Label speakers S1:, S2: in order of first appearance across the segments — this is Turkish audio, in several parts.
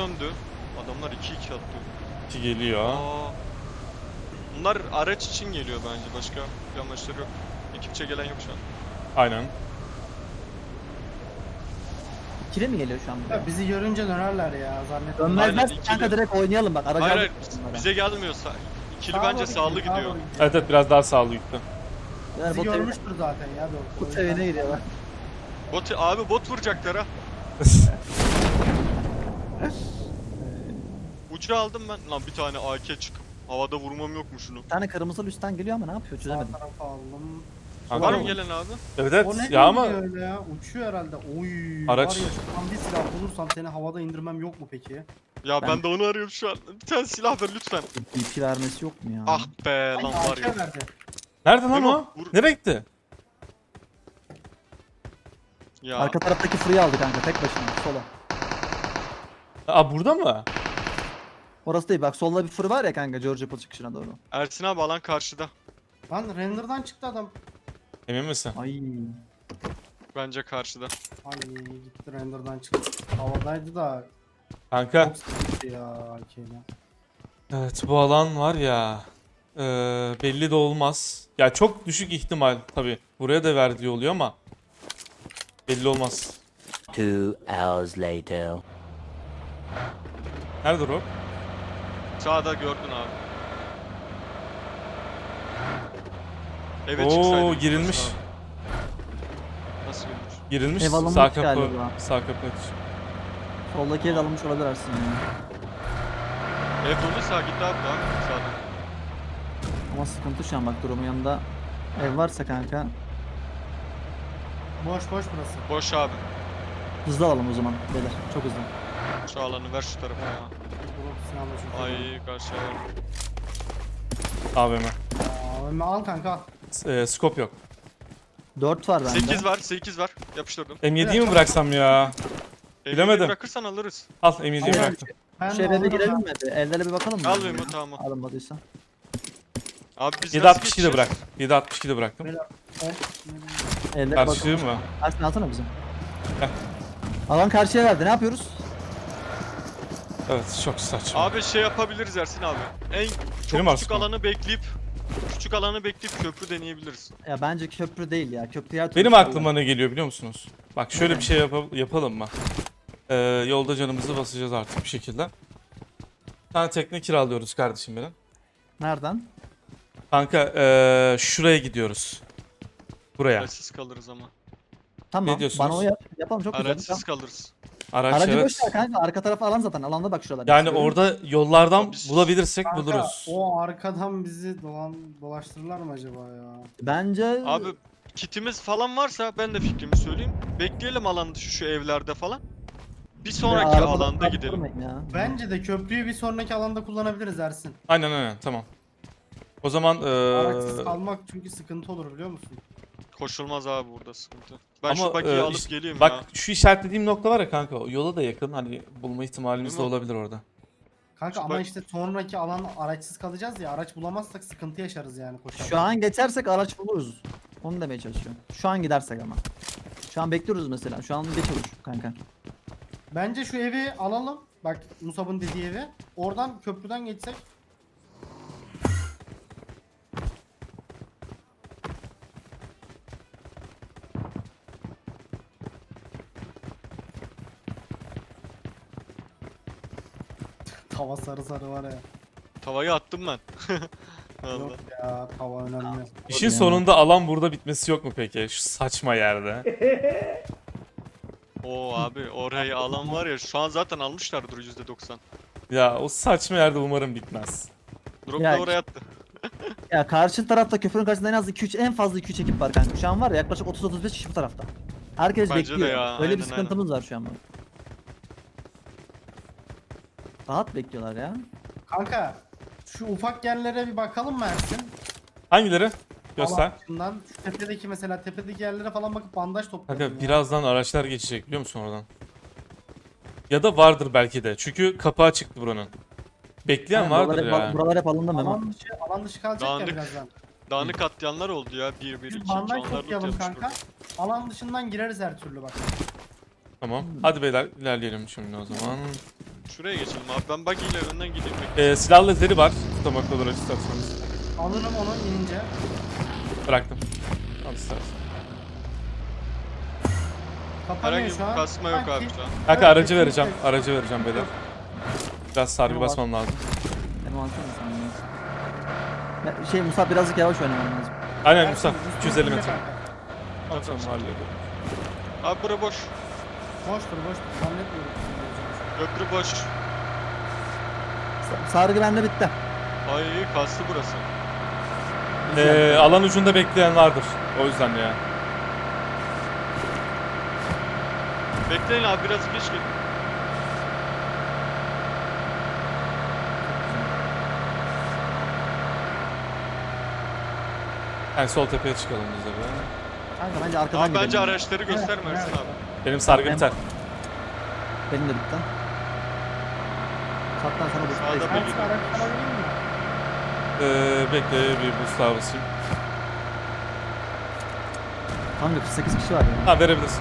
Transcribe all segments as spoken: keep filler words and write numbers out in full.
S1: yöndü. Adamlar iki iki attı.
S2: İki geliyor.
S1: Aa, bunlar araç için geliyor bence. Başka bir amaçları yok. Ekipçe gelen yok şu an.
S2: Aynen.
S3: İkili mi geliyor şu an buraya?
S4: Ya bizi görünce dönerler ya zannetmiyorum.
S1: Aynen,
S3: Dönmezler
S1: ikili.
S3: kanka direkt oynayalım bak. Aracı
S1: Hayır
S3: aldık
S1: hayır
S3: bunlara.
S1: bize gelmiyorsa. İkili
S4: Sağa
S1: bence
S4: doğru
S1: sağlı
S4: gidiyor, sağa
S1: gidiyor.
S4: doğru gidiyor.
S2: Evet evet biraz daha sağlı gitti.
S3: Yani
S4: Bizi
S3: bot evine,
S4: görmüştür zaten ya doğru.
S3: bot evine gidiyorlar.
S1: Bot, abi bot vuracaklar ha. Ucu aldım ben. Lan bir tane A K çıkıp havada vurmam yok mu şunu?
S3: Bir tane kırmızı üstten geliyor ama ne yapıyor
S4: Sağ
S3: çözemedim.
S4: tarafa aldım.
S2: Kanka,
S1: Var mı
S2: o-
S1: gelen abi?
S2: Evet
S4: O
S2: evet
S4: ne
S2: ya ama
S4: diyor öyle ya? Uçuyor herhalde. Oy.
S2: Araç.
S4: Var ya şu an bir silah bulursam seni havada indirmem yok mu peki?
S1: Ya ben,
S3: Ben-
S1: de onu arıyorum şu an. Bir tane silah ver lütfen.
S3: B P vermesi yok mu ya?
S1: Ah be lan
S4: Ay,
S1: var ya.
S4: A K verdi.
S2: nerede lan
S1: Memo,
S2: o?
S1: vur.
S2: Nereye gitti?
S1: Ya
S3: Arka taraftaki free aldı kanka tek başına sola.
S2: Aa burada mı?
S3: Orası değil bak solda bir free var ya kanka George Apple çıkışına doğru.
S1: Ersin abi alan karşıda.
S4: Lan render'dan çıktı adam.
S2: Emin misin?
S3: Ay.
S1: Bence karşıda.
S4: Ay gitti render'dan çıktı. Havadaydı da
S2: Kanka.
S4: çok sıkıntı ya A K'yle.
S2: Evet bu alan var ya. eee, belli de olmaz. Ya çok düşük ihtimal tabi. Buraya da verdiği oluyor ama. Belli olmaz.
S5: Two hours later.
S2: Nerede Rob?
S1: Sağda gördün abi. Evet
S2: Oo
S1: çıksaydı.
S2: girilmiş.
S1: Nasıl abi? Nasıl girilmiş?
S2: Girilmiş.
S3: Ev alınmış
S2: Sağ kapı.
S3: galiba.
S2: Sağ kapı aç.
S3: Soldaki ev alınmış olabilir aslında.
S1: Ev doluysa git abi daha. Sağda.
S3: Ama sıkıntı şu an bak durumun yanında ev varsa kanka
S4: Boş boş burası.
S1: Boş abi.
S3: hızlı alalım o zaman beyler çok hızlı.
S1: Şu alanı ver şu tarafa ya.
S4: Grup silahla çok iyi.
S1: Ay karşıya ver.
S2: A V M.
S4: Aa, Ömer al kanka al.
S2: Eee, scope yok.
S3: dört var bende.
S1: sekiz var, sekiz var. Yapıştırdım.
S2: M yediyi mi bıraksam ya?
S1: Evini
S2: Bilemedim.
S1: Bırakırsan alırız.
S2: Al M yediyi
S4: Aynen.
S2: bıraktım.
S4: Ben
S3: Şu
S4: de
S3: eve bir
S4: alırım
S3: girelim
S4: ha.
S3: mi? Bir Evlere bir bakalım mı?
S1: Al Memo tamam.
S3: Alınmadıysa.
S1: Abi biz
S2: yedi
S1: nasıl
S2: altmış iki de
S1: geçeceğiz?
S2: bırak. yedi altmış iki de bıraktım.
S4: Hop.
S3: Evlere
S2: Karşıyı
S3: bakalım.
S2: mı?
S3: Ersin alsana bize.
S2: Heh.
S3: Alan karşıya verdi ne yapıyoruz?
S2: Evet çok saçma.
S1: Abi şey yapabiliriz Ersin abi. En çok
S2: Benim
S1: küçük
S2: aslında.
S1: alanı bekleyip küçük alanı bekleyip köprü deneyebiliriz.
S3: Ya bence köprü değil ya. Köprü her türlü
S2: Benim
S3: şey
S2: aklıma
S3: var.
S2: ne geliyor biliyor musunuz? Bak şöyle bir şey yapa- yapalım mı? Ee, yolda canımızı basacağız artık bir şekilde. Bir tane tekne kiralıyoruz kardeşim benim.
S3: Nereden?
S2: Kanka ee, şuraya gidiyoruz. Buraya.
S1: Araçsız kalırız ama.
S3: Tamam.
S2: Ne diyorsunuz?
S3: Bana o yap. Yapalım çok güzel.
S1: Araçsız
S3: Tamam.
S1: kalırız.
S2: Araç
S3: Aracı
S2: evet.
S3: boş ver kanka. Arka tarafı alan zaten. Alanda bak şuralar.
S2: Yani orada yollardan
S1: Biz-
S2: bulabilirsek
S4: Kanka,
S2: buluruz.
S4: o arkadan bizi dolan dolaştırırlar mı acaba ya?
S3: Bence
S1: Abi kitimiz falan varsa ben de fikrimi söyleyeyim. Bekleyelim alan dışı şu evlerde falan. Bir sonraki
S3: arabadan
S1: alanda gidelim.
S3: kaptırmayın Ya.
S4: Bence de köprüyü bir sonraki alanda kullanabiliriz Ersin.
S2: Aynen aynen tamam. O zaman
S4: Araçsız
S2: ee,
S4: kalmak çünkü sıkıntı olur biliyor musun?
S1: Koşulmaz abi burada sıkıntı. Ben
S2: ama
S1: şu bakiyi
S2: ee,
S1: alıp
S2: iş-
S1: geleyim
S2: bak
S1: ya.
S2: şu işaretlediğim nokta var ya kanka o yola da yakın hani bulma ihtimalimiz de
S1: Değil mi?
S2: olabilir orada.
S4: Kanka
S1: Şu
S4: ama
S1: bak-
S4: işte sonraki alan araçsız kalacağız ya araç bulamazsak sıkıntı yaşarız yani koşarken.
S3: Şu an geçersek araç buluruz. Onu demeye çalışıyorum. Şu an gidersek ama. Şu an bekliyoruz mesela. Şu an geç olur kanka.
S4: Bence şu evi alalım. Bak Musab'ın dediği evi. Oradan köprüden geçsek. Tava sarı sarı var ya.
S1: Tavayı attım ben. Vallahi.
S4: Yok ya tava önemli.
S2: İşin
S3: Yani.
S2: sonunda alan burada bitmesi yok mu peki? Şu saçma yerde.
S1: Oo abi orayı alan var ya şu an zaten almışlardır yüzde doksan.
S2: Ya o saçma yerde umarım bitmez.
S1: Drop
S3: Ya-
S1: da oraya attı.
S3: Ya karşı tarafta köprünün karşısında en az iki üç en fazla iki üç ekip var kanka. Şu an var ya yaklaşık otuz otuz beş kişi bu tarafta. Herkes
S1: Bence de
S3: bekliyor.
S1: ya,
S3: Öyle bir
S1: aynen,
S3: sıkıntımız var şu an. Rahat bekliyorlar ya.
S4: Kanka şu ufak yerlere bir bakalım mı Ersin?
S2: Hangileri? Göster.
S4: Alan şu tepedeki mesela tepedeki yerlere falan bakıp bandaj toplayalım
S2: Kanka
S4: ya.
S2: birazdan araçlar geçecek biliyor musun oradan? Ya da vardır belki de. Çünkü kapağı çıktı buranın. Bekleyen
S3: Yani
S2: vardır
S3: buralar, hep,
S2: ya.
S3: buralar hep alındı Memo.
S4: Alan dışı, alan dışı kalacak
S1: Dağınık.
S4: ya birazdan.
S1: Dağınık atlayanlar oldu ya. bir bir
S4: Biz
S1: iki
S4: bandaj
S1: iki onlar loot
S4: toplayalım
S1: yapmış
S4: kanka.
S1: burada.
S4: Alan dışından gireriz her türlü bak.
S2: Tamam. Hadi beyler ilerleyelim şimdi o zaman.
S1: Şuraya geçelim abi. Ben buggy ile önden gideyim. bekle.
S2: Ee, silah lazeri var. Tutamak olur isterseniz.
S4: Alırım onu inince.
S2: Bıraktım. Al istersen.
S4: Kapanıyor
S1: Herhangi
S4: şu an.
S1: bir kasma yok
S4: Sanki-
S1: abi şu an.
S2: Kanka
S4: Evet,
S2: aracı vereceğim.
S4: kesinlikle.
S2: Aracı vereceğim beyler. Biraz sargı
S3: Tamam.
S2: basmam lazım.
S3: Benim alsana sen bunu. Ya, Şey Musa birazcık yavaş oynaman lazım.
S2: Aynen
S4: Ersin,
S2: Musa.
S4: üstüne
S2: iki yüz elli
S4: binme
S2: metre.
S4: kanka.
S2: Tamam hallediyorum.
S1: Abi bura boş.
S4: Boştur boştur. Zannetmiyorum.
S1: Köprü boş.
S3: Sa- Sargı bende bitti.
S1: Ay kastı burası.
S2: Ee, alan ucunda bekleyen vardır. O yüzden ya.
S1: Bekleyin abi biraz geç gelin.
S2: Yani sol tepeye çıkalım biz de be.
S3: Kanka bence arkadan
S1: Abi
S3: gidelim.
S1: bence araçları gösterme Ersin
S4: evet.
S1: abi.
S2: Benim sargı
S3: Ben-
S2: biter.
S3: Benim de bitti. Sattan sana bu
S1: Sağda
S3: space.
S1: bir-
S4: Ersin araç alabilir miyim?
S2: Ee, bekle bir boost daha basayım.
S3: Kanka kırk sekiz kişi var ya.
S2: Ha verebilirsin.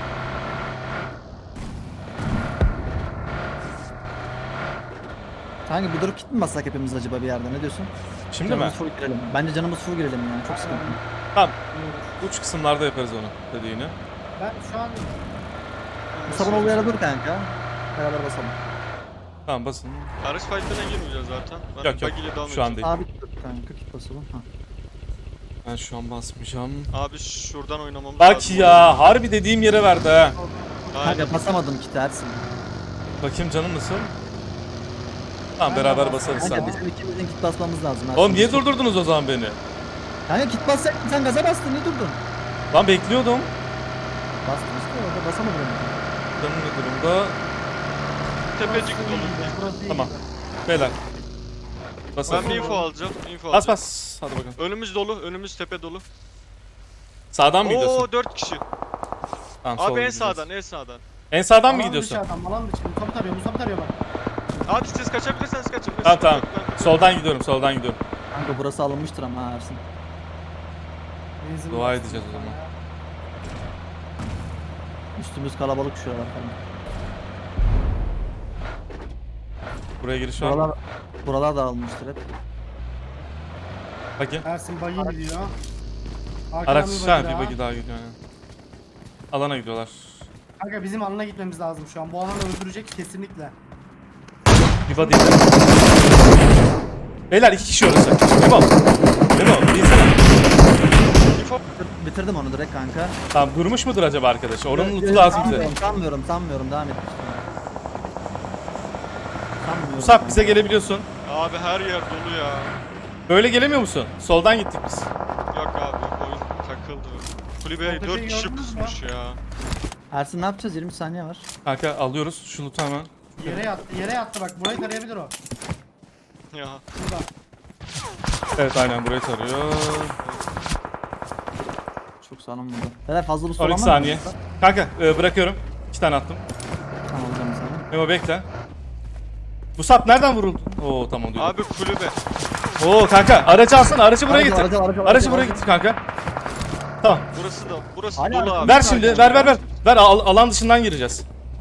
S3: Kanka bir durup git mi bassak hepimiz acaba bir yerde ne diyorsun?
S2: Şimdi mi?
S3: Canımız full girelim. Bence canımız full girelim yani çok sıkıntı.
S2: Tamam. Uç kısımlarda yaparız onu dediğini.
S4: Ben şu an
S3: Musab'ın olduğu yere dur kanka. Beraber basalım.
S2: Tamam basın.
S1: Araç fight'ına girmeyeceğiz zaten. Ben
S2: Yok yok.
S1: buggy ile devam
S2: Şu an
S1: edeceğim.
S2: değil.
S3: Abi git dur kanka git basalım. Ha.
S2: Ben şu an basmayacağım.
S1: Abi şuradan oynamamız
S2: Bak
S1: lazım.
S2: ya harbi dediğim yere verdi ha.
S1: Aynen.
S3: Kanka basamadım kiti Ersin.
S2: Bakayım canım nasıl? Tamam
S4: Ben de
S2: beraber
S4: bas-
S2: basarız
S3: Kanka
S2: sen.
S3: bizim ikimizin kit basmamız lazım. Ersin.
S2: Oğlum niye durdurdunuz o zaman beni?
S3: Kanka kit bassaydın sen gaza bastın niye durdun?
S2: Lan bekliyordum.
S3: Bastın işte orada basamadın.
S2: Canım ne durumda?
S1: Tepecik dolu.
S4: burası iyi
S2: Tamam.
S4: gibi.
S2: Beyler. Basalım.
S1: Ben bir info alacağım. Info
S2: Bas
S1: alacağım.
S2: bas. Hadi bakalım.
S1: Önümüz dolu. Önümüz tepe dolu.
S2: Sağdan mı gidiyorsun?
S1: Oo dört kişi.
S2: Tamam, sola
S1: Abi en
S2: gideceğiz.
S1: sağdan en sağdan.
S2: En sağdan mı
S4: Alan
S2: gidiyorsun?
S4: dışı adam, alan dışı. Musab'ı tarıyor, Musab'ı tarıyor bak.
S1: Abi siz kaçabilirseniz kaçın.
S2: Tamam tamam.
S1: Ben-
S2: Soldan gidiyorum, soldan gidiyorum.
S3: Kanka burası alınmıştır ama ha Ersin.
S4: Benzin
S2: Dua
S4: bastı.
S2: edeceğiz o zaman.
S3: Üstümüz kalabalık şuralar falan.
S2: Buraya giriş var mı?
S3: Buralar, buralar da alınmıştır hep.
S2: Bakayım.
S4: Ersin bayı gidiyor. Arkadan
S2: Araç
S4: bir
S2: ha
S4: bagi
S2: bir
S4: daha.
S2: bagi daha gidiyor yani. Alana gidiyorlar.
S4: Kanka bizim alana gitmemiz lazım şu an. Bu alanı öldürecek kesinlikle.
S2: Bir body. Beyler iki kişi orası. Memo. Memo değilsene.
S1: Info.
S3: Bitir- Bitirdim onu direkt kanka.
S2: Tamam durmuş mudur acaba arkadaş? Oranın
S3: Yok,
S2: lootu
S3: yok,
S2: lazım bize.
S3: sanmıyorum, Sanmıyorum sanmıyorum devam et. Sanmıyorum.
S2: Musab bize gelebiliyorsun.
S1: Abi her yer dolu ya.
S2: Böyle gelemiyor musun? Soldan gittik biz.
S1: Yok abi oyun takıldı. Kulübeye
S4: Ortadaki
S1: dört kişi
S4: gördünüz mü?
S1: pusmuş ya.
S3: Ersin ne yapacağız? yirmi saniye var.
S2: Kanka alıyoruz şu lootu hemen.
S4: Yere yattı, yere yattı bak. Burayı tarayabilir o.
S1: Ya.
S4: Burada.
S2: Evet aynen burayı tarıyor.
S3: Çok sağlam burada. Beyler fazla bu
S2: on
S3: soran
S2: iki
S3: var mı?
S2: saniye. Kanka e, bırakıyorum. İki tane attım.
S3: Tamam alacağım sana.
S2: Memo bekle. Musab nereden vuruldu? Oo tamam diyor.
S1: Abi kulübe.
S2: Oo kanka aracı alsana aracı buraya
S3: Aracı,
S2: getir.
S3: aracı, aracı,
S2: Aracı
S3: aracı,
S2: buraya
S3: aracı.
S2: getir kanka. Tamam.
S1: Burası da burası
S3: Hala
S1: dolu
S3: arka-
S1: abi.
S2: Ver şimdi ver ver ver. Ver al- alan dışından gireceğiz.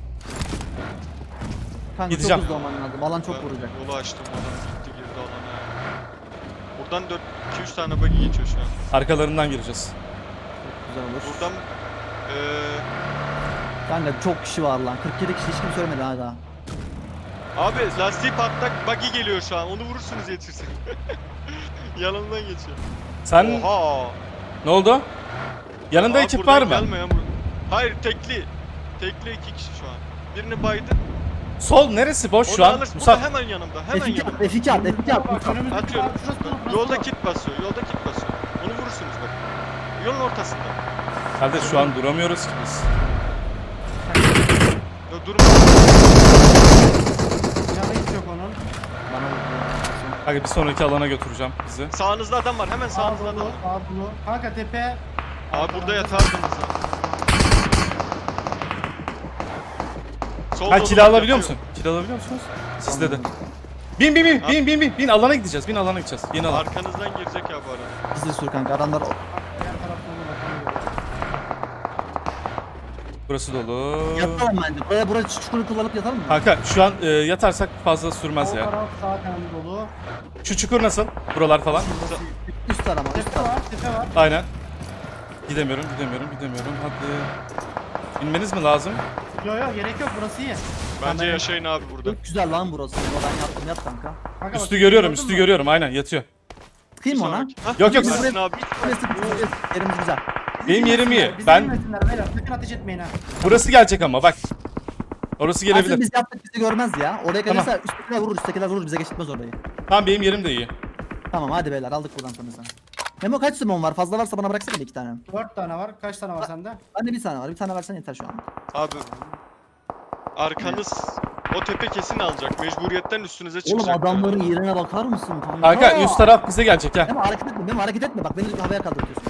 S3: Kanka
S2: Gideceğim.
S3: çok hızlı olman lazım. Alan çok
S1: Ben
S3: vuracak.
S1: Yolu açtım adam gitti girdi alana. Buradan dört iki üç tane buggy geçiyor şu an.
S2: Arkalarından gireceğiz.
S3: Güzel olur.
S1: Buradan eee
S3: Kanka çok kişi var lan. kırk yedi kişi hiç kimse söylemedi ha daha.
S1: abi lastiği patlak buggy geliyor şu an. Onu vurursunuz yetişsin. Yanından geçiyor.
S2: Sen
S1: Oha.
S2: ne oldu? Yanında
S1: Abi
S2: ekip
S1: buradan
S2: var mı?
S1: Gelmeyen bu- Hayır tekli. Tekli iki kişi şu an. Birini baydı.
S2: Sol neresi boş
S1: Onu
S2: şu an?
S1: alırsın.
S2: Musab
S1: Burada hemen yanımda. Hemen
S3: F iki at,
S1: yanımda.
S3: F iki at, F iki at.
S4: Bak önümüzdeki
S1: Atıyorum.
S4: bak, şurası dolu, burası
S1: Yolda
S4: dolu.
S1: kit basıyor. Yolda kit basıyor. Onu vurursunuz bak. Yolun ortasında.
S2: Kardeş şu an duramıyoruz ki biz.
S1: Ya durma.
S4: Canı hiç yok onun.
S3: Bana vurdu ya.
S2: Kanka bir sonraki alana götüreceğim bizi.
S1: Sağınızda adam var. Hemen
S4: Sağ
S1: sağınızda adam
S4: dolu,
S1: var.
S4: sağ dolu. Kanka tepe.
S1: Abi burada yatardınız. Sol
S2: Ha
S1: dolu
S2: kill
S1: bak,
S2: alabiliyor
S1: yatıyor.
S2: musun? Kill alabiliyor musunuz? Sizde de. Bin bin bin bin bin bin bin alana gideceğiz. Bin alana gideceğiz. Bin alana.
S1: Arkanızdan girecek ya bu arada.
S3: Biz de sür kanka adamlar
S4: Diğer tarafta olur bak. ona göre.
S2: Burası dolu.
S3: Yatalım bence. Buraya buraya çukuru kullanıp yatalım mı?
S2: Kanka şu an e, yatarsak fazla sürmez
S4: Sol
S2: ya.
S4: taraf zaten dolu.
S2: Şu çukur nasıl? Buralar falan.
S3: Üst arama üst
S4: Tepe
S3: arama.
S4: var, tepe var.
S2: Aynen. Gidemiyorum, gidemiyorum, gidemiyorum. Hadi. İnmeniz mi lazım?
S4: Yo yo gerek yok, burası iyi.
S1: Bence yaşayın abi burada.
S3: Çok güzel lan burası. Ben yattım yat kanka.
S4: Kanka
S2: Üstü
S4: bak,
S2: görüyorum,
S4: gördün
S2: üstü
S4: mü?
S2: görüyorum. Aynen yatıyor.
S3: Sıkayım mı ona?
S1: Sonraki- Hah,
S2: Yok, yok,
S1: Ersin
S3: siz-
S1: abi.
S3: Burası burası yerimiz güzel.
S4: Bizi
S2: Benim yerim
S4: dinlesinler,
S2: iyi.
S4: bizi
S2: Ben-
S4: dinlesinler beyler, sakın ateş etmeyin ha.
S2: Burası gelecek ama bak. Orası
S3: Aslında
S2: gelebilir.
S3: biz yaptık bizi görmez ya. Oraya
S2: Tamam.
S3: gelirse üsttekiler vurur üsttekiler vurur bize geçitmez orayı.
S2: Tamam benim yerim de iyi.
S3: Tamam hadi beyler aldık buradan sonra sen. Memo kaç simon var? Fazla varsa bana bıraksana bir iki tane.
S4: Dört tane var, kaç tane var sende?
S3: Bende bir tane var. Bir tane versen yeter şu an.
S1: Abi arkanız o tepe kesin alacak. Mecburiyetten üstünüze çıkacak.
S3: Oğlum adamların yerine bakar mısın kanka?
S2: Kanka üst taraf bize gelecek ya.
S3: Memo hareket etme. Memo hareket etme. Bak beni havaya kaldırtıyorsun.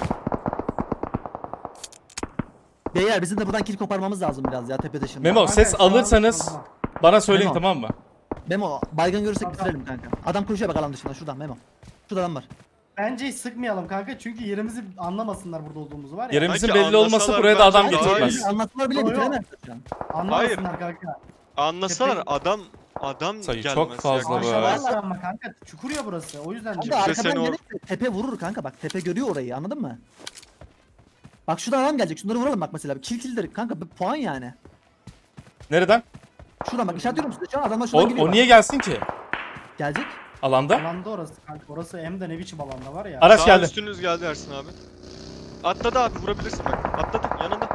S3: Beyler bizim de buradan kill koparmamız lazım biraz ya tepe dışında.
S2: Memo
S4: Kanka,
S2: ses
S4: şu an-
S2: alırsanız
S4: Tamam.
S2: bana söyleyin
S3: Memo.
S2: tamam mı?
S3: Memo baygın görürsek
S4: Tamam.
S3: bitirelim kanka. Adam koşuyor bak alan dışında şuradan Memo. Şurada adam var.
S4: Bence hiç sıkmayalım kanka, çünkü yerimizi anlamasınlar burada olduğumuzu var ya.
S2: Yerimizin
S1: Sanki
S2: belli olması
S1: anlasalar
S2: buraya da adam
S1: bence daha
S2: getirmez.
S1: iyi.
S3: Anlatmalar bile
S4: Yo, yo.
S3: bitiremezler şu an.
S4: Anlamasınlar kanka.
S1: Anlasalar
S4: Tepe-
S1: adam adam
S2: Sayı
S1: gelmez.
S2: çok fazla
S1: yaklaşamaz.
S2: be.
S4: Aşağıdalar ama kanka, çukur ya burası, o yüzden
S3: Kanka
S4: diyorum.
S1: Kimse
S3: arkadan
S1: seni or-
S3: gelirse tepe vurur kanka bak tepe görüyor orayı anladın mı? Bak şuradan adam gelecek şunları vuralım bak mesela kill killdir kanka bir puan yani.
S2: Nereden?
S3: Şuradan bak işaretliyorum size şu an adamlar
S2: O,
S3: şuradan geliyor
S2: o
S3: bak.
S2: niye gelsin ki?
S3: Gelecek.
S2: Alanda?
S4: Alanda orası kanka, orası hem de ne biçim alanda var ya.
S2: Araç
S1: Sağ
S2: geldi.
S1: üstünüz geldi Ersin abi. Atladı abi vurabilirsin bak. Atladı yanında.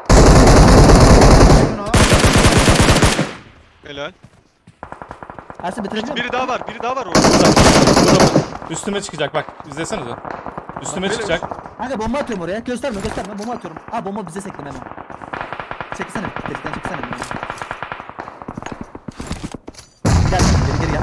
S4: Şunu al.
S1: Helal.
S3: Ersin bitirebiliyor musun?
S1: Biri daha var, biri daha var orada.
S2: Üstüme çıkacak bak. İzlesenize. Üstüme
S1: Bak,
S2: çıkacak.
S3: Kanka bomba atıyorum oraya gösterme gösterme bomba atıyorum. Ha bomba bize sekti Memo. Çeksene delikten çeksene. Gel geri geri gel.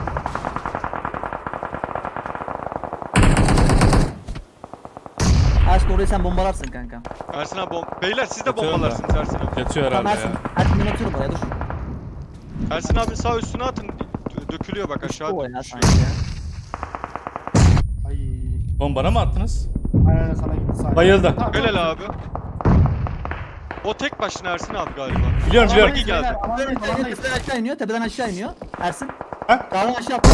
S3: Ersin orayı sen bombalarsın kanka.
S1: Ersin abi bom- Beyler siz de
S2: Atıyorum
S1: bombalarsınız Ersin abi.
S2: Yatıyor
S3: Tamam
S2: herhalde
S3: Ersin.
S2: ya.
S3: Ersin ben atıyorum oraya dur.
S1: Ersin abi sağ üstüne atın. Dö- Dökülüyor bak aşağı
S3: O ya
S1: düşüyor.
S3: sanki ya.
S4: Ay.
S2: Bombana mı attınız?
S4: Aynen sana gitti sağ.
S2: Bayıldı.
S4: Tamam,
S1: Helal
S4: tamam.
S1: abi. O tek başına Ersin abi galiba.
S2: Biliyorum biliyorum.
S1: İyi geldi.
S4: Beyler, alandayız, alandayız.
S3: Tepeden aşağı iniyor, tepeden aşağı iniyor. Ersin.
S2: Ha?
S3: Dağdan aşağı attı.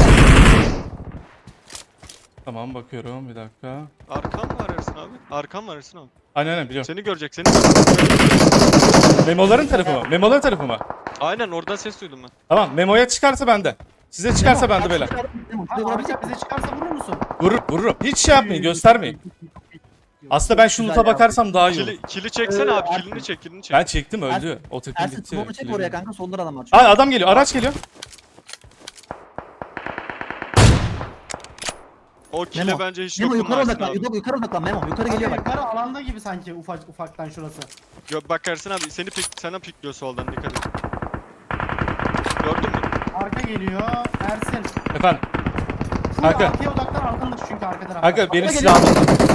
S2: Tamam bakıyorum bir dakika.
S1: Arkam var Ersin abi. Arkam var Ersin abi.
S2: Aynen aynen biliyorum.
S1: Seni görecek, seni görecek.
S2: Memoların tarafı mı? Memoların tarafı mı?
S1: Aynen oradan ses duydum ben.
S2: Tamam memoya çıkarsa bende. Size çıkarsa bende beyler.
S3: Memo,
S4: Ha,
S3: şuraya vurabilecek
S4: arka
S3: misin?
S4: bize çıkarsa vurur musun?
S2: Vurur, vururum. Hiç şey yapmayın göstermeyin. Aslında ben şu
S3: Güzel
S2: loot'a
S3: ya.
S2: bakarsam daha iyi olur.
S1: Kili, kili çeksene
S3: Ee,
S1: abi,
S3: Ersin.
S1: kilini çek, kilini çek.
S2: Ben çektim öldü.
S3: Ersin-
S2: O tepkin
S3: Ersin
S2: gitti.
S3: smoke'u çek
S2: Kili-
S3: oraya kanka solda adam var.
S2: Aa adam geliyor. Araç geliyor.
S1: O kile
S3: Memo,
S1: bence hiç
S3: Memo
S1: dokunma
S3: yukarı
S1: Ersin
S3: odaklan,
S1: abi.
S3: yukarı, yukarı odaklan Memo, yukarı geliyor bak.
S4: Yukarı alanda gibi sanki ufak ufaktan şurası.
S1: Yo, bak Ersin abi seni pik, sana pikliyor soldan, dikkat et. Gördün mü?
S4: Arka geliyor. Ersin.
S2: Efendim.
S4: Full
S2: Kanka.
S4: arkaya odaklan, arkandır çünkü arka tarafta.
S2: Kanka benim
S3: Araba
S2: silahım.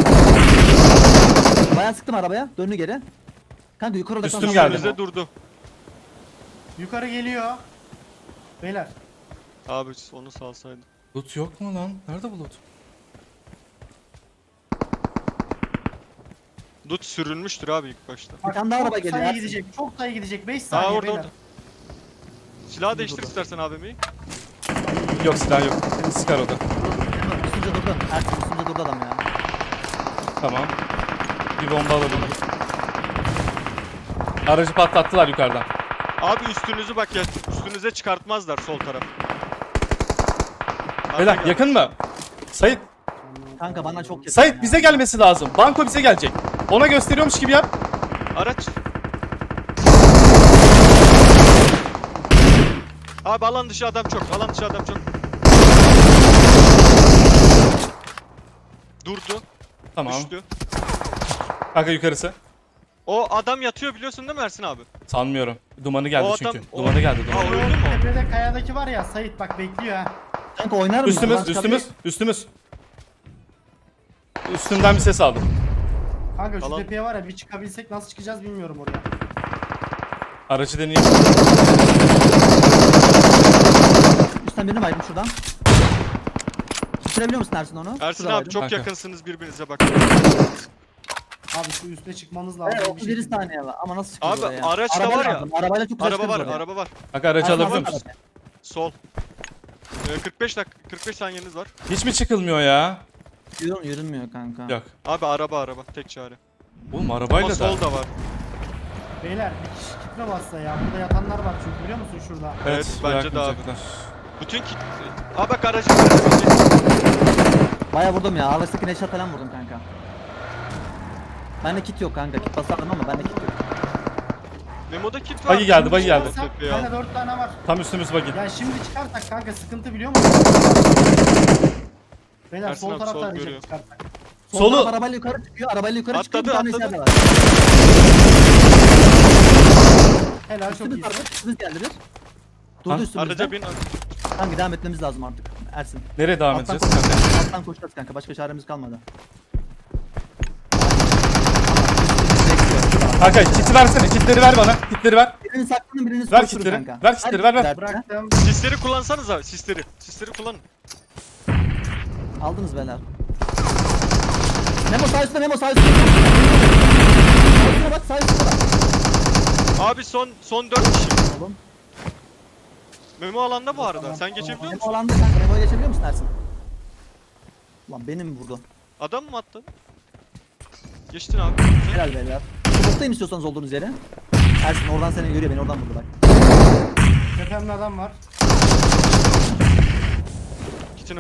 S3: Bayağı sıktım arabaya, döndü geri. Kanka yukarı odaklan.
S2: Üstüm
S3: sonra
S2: geldi.
S3: Memo.
S1: Önünüze durdu.
S4: Yukarı geliyor. Beyler.
S1: Abi onu salsaydı.
S2: Loot yok mu lan? Nerede bu loot?
S1: Dut sürünmüştür abi ilk başta.
S3: Bir tane daha
S4: çok
S3: araba geliyor,
S4: sayı
S3: Ersin.
S4: gidecek. Çok sayı gidecek. beş
S1: Aa
S4: saniye
S1: orada
S4: beyler.
S1: orada. Silahı değiştir
S3: durdu.
S1: istersen abimi.
S2: Yok silah yok. Sıkar o da.
S3: Memo, Üstünce durdu, Ersin üstünce durdu adam ya.
S2: Tamam. Bir bomba alalım. Aracı patlattılar yukarıdan.
S1: Abi üstünüzü bak ya, üstünüze çıkartmazlar sol taraf. Arka
S2: Beyler
S1: geldi.
S2: yakın mı? Sait.
S3: Kanka bana çok yakın.
S2: Sait
S3: ya.
S2: bize gelmesi lazım. Banko bize gelecek. Ona gösteriyormuş gibi yap.
S1: Araç. Abi alan dışı adam çok, alan dışı adam çok. Durdu,
S2: Tamam.
S1: düştü.
S2: Kanka yukarısı.
S1: O adam yatıyor biliyorsun değil mi Ersin abi?
S2: Sanmıyorum. Dumanı geldi
S1: O
S2: çünkü.
S1: adam- o-
S2: Dumanı geldi.
S1: Ha,
S2: Dumanı.
S1: öldü mü o?
S4: Tepede kayadaki var ya, Sait bak bekliyor ha.
S3: Kanka oynar mısın?
S2: Üstümüz,
S3: Lan çıkar-
S2: üstümüz, üstümüz. Üstümden bir ses aldım.
S4: Kanka şu
S1: Alan-
S4: tepeye var ya, bir çıkabilsek nasıl çıkacağız bilmiyorum oraya.
S2: Aracı deneyeyim.
S3: Üstten birini baydım şuradan. Bitirebiliyor musun Ersin onu?
S1: Ersin
S3: Şurada
S1: abi
S3: baydım.
S1: çok
S2: Kanka.
S1: yakınsınız birbirinize bak.
S4: Abi şu üste çıkmanız lazım.
S3: Evet
S4: bir
S3: otuz yedi
S4: şekilde.
S3: saniye var ama nasıl çıkacağız
S1: Abi,
S3: oraya?
S1: araç da
S3: Araba
S1: var ya.
S3: lazım, Arabayla çok
S1: Araba
S3: uğraşırız
S1: var,
S3: oraya.
S1: araba var.
S2: Bak aracı
S3: Ersin,
S2: alabiliyor
S3: alsana
S2: musun?
S3: arabayı.
S1: Sol. Ee, kırk beş dakika, kırk beş saniyeniz var.
S2: Hiç mi çıkılmıyor ya?
S3: Yürün, yürünmüyor kanka.
S2: Yok.
S1: Abi araba araba, tek çare.
S2: Oğlum
S1: Ama
S2: arabayla da.
S1: sol da var.
S4: Beyler bir kişi kitle bassa ya. Burada yatanlar var çünkü biliyor musun şurada?
S1: Evet, bence de abi.
S2: bırakmayacaklar.
S1: Bütün kit... Aa bak aracı aracı.
S3: Baya vurdum ya. Araçtaki neşat falan vurdum kanka. Bende kit yok kanka. Kit basardım ama bende kit yok.
S1: Memo'da kit var.
S2: Bagi geldi, bagi geldi.
S4: Çıkarsak,
S1: Tepeye al.
S4: Bende dört tane var.
S2: Tam üstümüz bagi.
S4: Ya şimdi çıkarsak kanka sıkıntı biliyor musun? Beyler
S1: Ersin
S4: sol
S1: abi,
S4: tarafta
S1: sol
S4: arayacak
S1: görüyor.
S4: çıkarsak.
S3: Sol
S2: Solu-
S3: taraf arabayla yukarı çıkıyor. Arabayla yukarı çıkıyor. Bir
S1: Atladı,
S3: tane
S1: atladı.
S3: içeride var.
S4: Helal çok
S3: Üstümüz
S4: iyisin.
S3: var. Üstümüz geldi bir.
S2: Ha?
S3: Durdu üstümüzde.
S1: Araca bin.
S3: Kanka devam etmemiz lazım artık. Ersin.
S2: Nereye devam
S3: Alttan
S2: edeceğiz?
S3: koşacağız. Alttan koşacağız kanka. Başka çaremiz kalmadı.
S2: Kanka kiti versene. Kitleri ver bana. Kitleri ver.
S3: Birini saklanın birini
S2: Ver
S3: koşturun
S2: kitleri,
S3: kanka.
S2: ver kitleri, ver, ver.
S3: kitler.
S4: Bıraktım.
S1: Sisleri kullansanız abi, sisleri. Sisleri kullanın.
S3: Aldınız beyler. Memo sağ üstte Memo sağ üstte. Sağ üstüne bak sağ üstüne bak.
S1: Abi son son dört kişi.
S3: Oğlum.
S1: Memo alanda bu arada. Sen geçebiliyor
S3: Memo
S1: musun?
S3: alanda kanka. Memo'ya geçebiliyor musun Ersin? Ulan beni mi vurdu?
S1: Adam mı attın? Geçtin abi.
S3: Helal beyler. Smoke'tayım istiyorsanız olduğunuz yere. Ersin oradan seni görüyor beni oradan vurdu bak.
S4: Tepemde adam var.
S1: Kitine.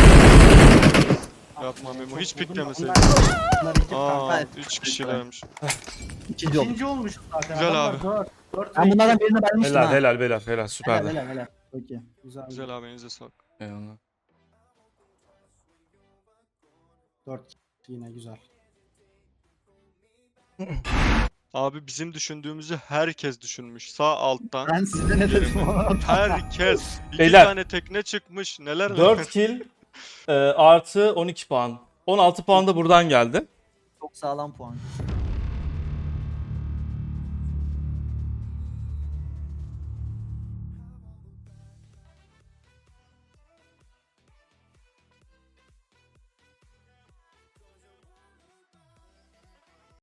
S1: Yapma Memo. Hiç
S4: Vurdum da
S1: piklemeseydin.
S4: Bunlar, bunlar ekip
S1: Aa,
S4: kanka.
S3: Evet.
S1: üç kişilermiş.
S3: İkinci oldu.
S4: İkinci olmuş zaten.
S1: Güzel
S4: Adamlar
S1: abi.
S4: Dört, dört
S3: Ben
S4: ve
S3: bunlardan
S4: iki.
S3: birine vermiştim
S2: Helal
S3: ha.
S2: helal helal helal
S3: Helal
S2: süperdi.
S3: helal helal. Peki.
S4: Güzel.
S1: Güzel abi, elinize sağlık.
S2: Eyvallah.
S4: Dört yine güzel.
S1: Abi bizim düşündüğümüzü herkes düşünmüş. Sağ alttan.
S3: Ben size ne dedim?
S1: Herkes. İki
S2: Beyler.
S1: tane tekne çıkmış. Neler neler.
S2: dört kill e, artı on iki puan. on altı puan da buradan geldi.
S3: Çok sağlam puan.